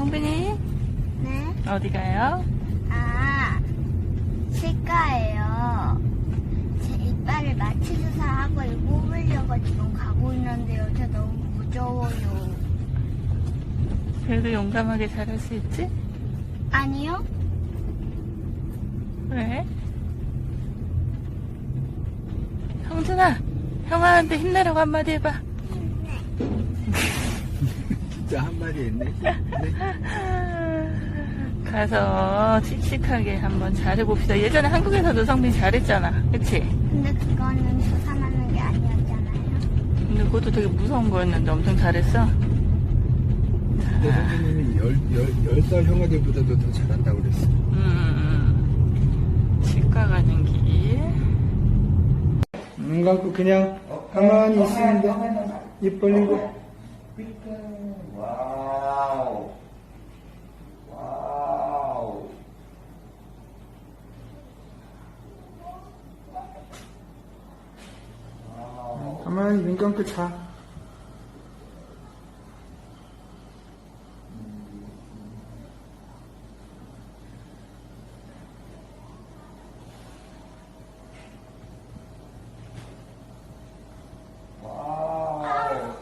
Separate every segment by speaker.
Speaker 1: 성빈이
Speaker 2: 네?
Speaker 1: 어디 가요?
Speaker 2: 아, 치과예요. 제 이빨을 마취주사하고 뽑으려고 지금 가고 있는데요. 저 너무 무서워요.
Speaker 1: 그래도 용감하게 잘할 수 있지?
Speaker 2: 아니요?
Speaker 1: 왜? 성준아, 형아한테 힘내라고 한마디 해봐.
Speaker 3: 진짜 한마디 했네.
Speaker 1: 가서 씩씩하게 한번 잘해봅시다. 예전에 한국에서도 성빈 잘했잖아. 그치?
Speaker 2: 근데 그거는 주사 맞는 게 아니었잖아요.
Speaker 1: 근데 그것도 되게 무서운 거였는데 엄청 잘했어.
Speaker 3: 내 선생님이 10살 형아들보다도 더 잘한다고 그랬어.
Speaker 1: 치과 가는 길.
Speaker 3: 눈 감고 그냥 가만히 있으면 돼. 입 벌리고.
Speaker 4: 와우. 와우.
Speaker 3: 가만히 눈 감고 자.
Speaker 4: 와우.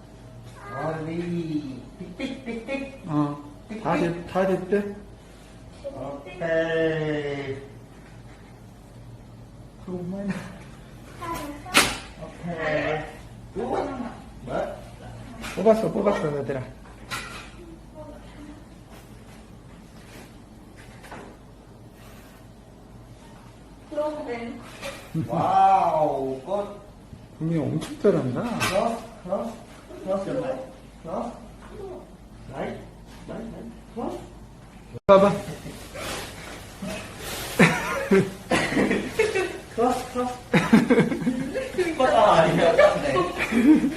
Speaker 4: 어리. 삑삑삑삑.
Speaker 3: 다 됐대?
Speaker 4: 오케이.
Speaker 3: 그만.
Speaker 4: 오케이. 뭐?
Speaker 3: 뽑았어, 얘들아.
Speaker 4: 와우. 꽃.
Speaker 3: 분명히 엄청 잘한다.
Speaker 4: 크로스 your leg. 크로스. 라이트. 크로스.
Speaker 3: 봐봐.
Speaker 4: 크로스. 꽃 아니야.